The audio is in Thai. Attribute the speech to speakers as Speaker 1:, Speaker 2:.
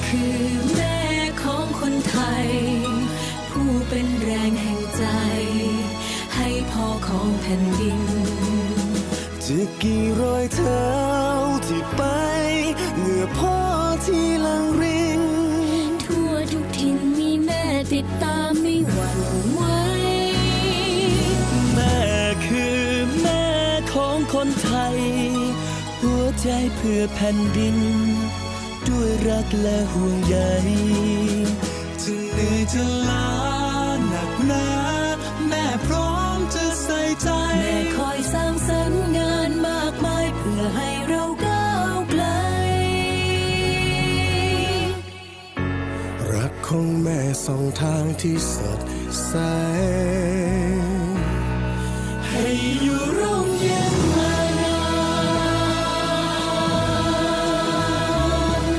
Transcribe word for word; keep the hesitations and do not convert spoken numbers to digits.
Speaker 1: คือแม่ของคนไทยผู้เป็นแรงแห่งใจให้พ่อของแผ่นดิน
Speaker 2: จะกี่รอยเท้าที่ไปเหงื่อพ่อที่หลังริน
Speaker 1: ทั่วทุกถิ่นมีแม่ติดตามไม่หวั่นไหว
Speaker 2: แม่คือแม่ของคนไทยหัวใจเพื่อแผ่นดินด้วยรักและห่วงใยจะเหนื่อยจะล้าหนักหนาแม่พร้อมจะใส่ใจ
Speaker 1: แม่คอยสร้างสรรค์งานมากมายเพื่อให้เราก้าวไกล
Speaker 2: รักของแม่ส่องทางที่สดใสให้อยู่รอ